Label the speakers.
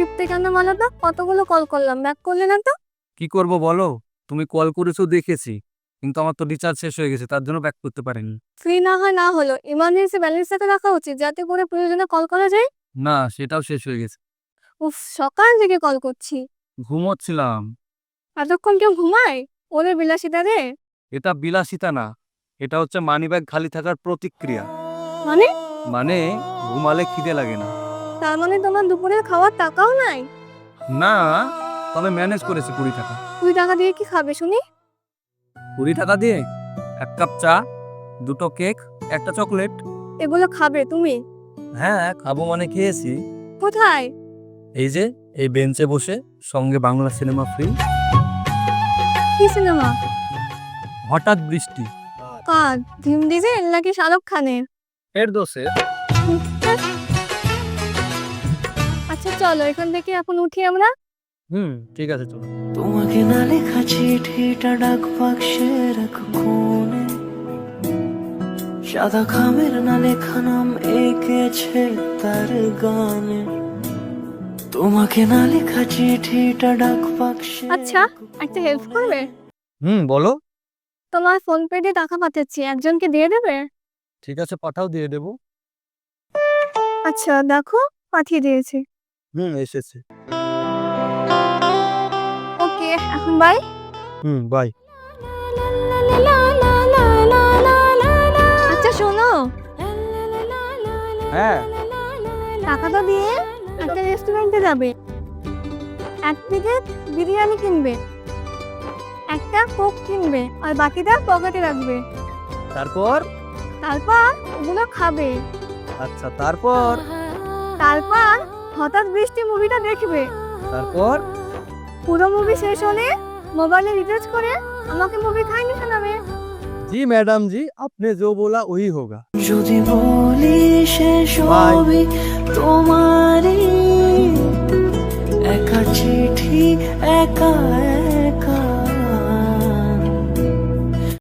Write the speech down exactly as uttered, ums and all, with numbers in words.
Speaker 1: টিপতে কেন বলো তো? কতগুলো কল করলাম, ব্যাক করলে না তো?
Speaker 2: কি করব বলো? তুমি কল করেছো দেখেছি, কিন্তু আমার তো রিচার্জ শেষ হয়ে গেছে, তার জন্য ব্যাক করতে পারিনি।
Speaker 1: ফ্রি না হয় না হলো, ইমার্জেন্সি ব্যালেন্সটাকে রাখা উচিত যাতে করে প্রয়োজনে কল করা যায়।
Speaker 2: না, সেটাও শেষ হয়ে গেছে।
Speaker 1: উফ, সকাল থেকে কল করছি।
Speaker 2: ঘুমোচ্ছিলাম।
Speaker 1: এতক্ষণ কেউ ঘুমায়? ওরে বিলাসিতা রে।
Speaker 2: এটা বিলাসিতা না, এটা হচ্ছে মানিব্যাগ খালি থাকার প্রতিক্রিয়া।
Speaker 1: মানে?
Speaker 2: মানে ঘুমালে খিদে লাগে না।
Speaker 1: তার মানে তোমার দুপুরের খাওয়ার টাকাও নাই?
Speaker 2: না, তবে ম্যানেজ করেছি কুড়ি টাকা।
Speaker 1: কুড়ি টাকা দিয়ে কি খাবে শুনি?
Speaker 2: কুড়ি টাকা দিয়ে এক কাপ চা, দুটো কেক, একটা চকলেট।
Speaker 1: এগুলো খাবে তুমি?
Speaker 2: হ্যাঁ, খাবো মানে খেয়েছি।
Speaker 1: কোথায়?
Speaker 2: এই যে এই বেঞ্চে বসে, সঙ্গে বাংলা সিনেমা ফ্রি।
Speaker 1: কি সিনেমা?
Speaker 2: হঠাৎ বৃষ্টি।
Speaker 1: কার? ভীম ডিজেল নাকি শাহরুখ খানের?
Speaker 2: এর দোষে।
Speaker 1: আচ্ছা চলো এখান থেকে এখন উঠি আমরা।
Speaker 2: হুম, ঠিক আছে, চলো।
Speaker 3: তোমাকে না লেখা চিঠিটা ডাক বাক্সে রাখো কোণে, সাদা খামের না লেখা নাম এঁকেছে তার গানে। তোমাকে না লেখা চিঠিটা ডাক বাক্সে।
Speaker 1: আচ্ছা, একটা হেল্প করবে?
Speaker 2: হুম, বলো।
Speaker 1: তোমার ফোন পে দিয়ে টাকা পাঠাচ্ছি, একজনকে দিয়ে দেবে?
Speaker 2: ঠিক আছে, পাঠাও, দিয়ে দেবো।
Speaker 1: আচ্ছা দেখো, পাঠিয়ে দিয়েছি।
Speaker 2: হুম, এসেছে।
Speaker 1: ওকে, এখন বাই।
Speaker 2: Hmm, by.
Speaker 1: আচ্ছা শোনো,
Speaker 2: হ্যাঁ।
Speaker 1: টাকাটা দিয়ে একটা রেস্টুরেন্টে যাবে, এক প্লেট বিরিয়ানি কিনবে, একটা কোক কিনবে, আর বাকিটা পকেটে রাখবে।
Speaker 2: তারপর?
Speaker 1: তারপর ওগুলো খাবে।
Speaker 2: আচ্ছা, তারপর?
Speaker 1: তারপর হঠাৎ বৃষ্টি মুভিটা দেখবে।
Speaker 2: তারপর?
Speaker 1: পুরো মুভি শেষ হলে মোবাইলে রিচার্জ করে আমাকে মুভি খাইনি শোনাবে।
Speaker 2: জি ম্যাডাম জি, আপনি जो बोला वही होगा।
Speaker 3: যদি বলি সে সবই তোমারই, একা চিঠি একা